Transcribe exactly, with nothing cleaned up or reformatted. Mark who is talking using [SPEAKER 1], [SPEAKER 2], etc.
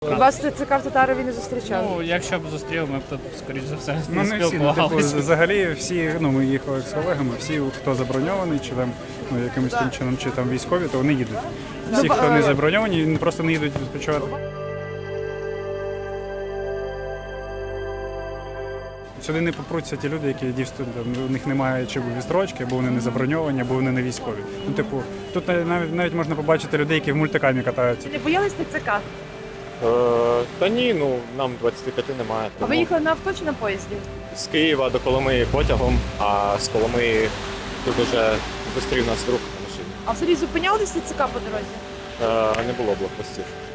[SPEAKER 1] Вас ТЦК в Татарові не зустрічали?
[SPEAKER 2] Ну, якщо б зустрів, ми б тут, скоріш за все,
[SPEAKER 3] Ну,
[SPEAKER 2] не
[SPEAKER 3] не всі, ну, типу,
[SPEAKER 2] спілкувалися.
[SPEAKER 3] взагалі всі, ну, ми їхали з колегами, всі, хто заброньований, чи там, ну, якимось тим чином, чи там військові, то вони їдуть. Всі,
[SPEAKER 1] Ну,
[SPEAKER 3] хто
[SPEAKER 1] а-
[SPEAKER 3] не заброньовані, просто не їдуть відпочивати. Сюди не попруться ті люди, які дійсно там, у них немає чи відстрочки, або вони не заброньовані, або вони не військові. Ну, типу, тут навіть навіть можна побачити людей, які в мультикамі катаються.
[SPEAKER 1] Не боялись ТЦК?
[SPEAKER 4] Е, та ні, ну нам двадцяти п'яти немає.
[SPEAKER 1] А ви
[SPEAKER 4] Тому
[SPEAKER 1] їхали на авто чи на поїзді?
[SPEAKER 4] з Києва до Коломиї потягом, а з Коломиї тут уже зустрів нас друг на машині.
[SPEAKER 1] А взагалі зупинялись ТЦК по дорозі?
[SPEAKER 4] Е, не було блокпостів.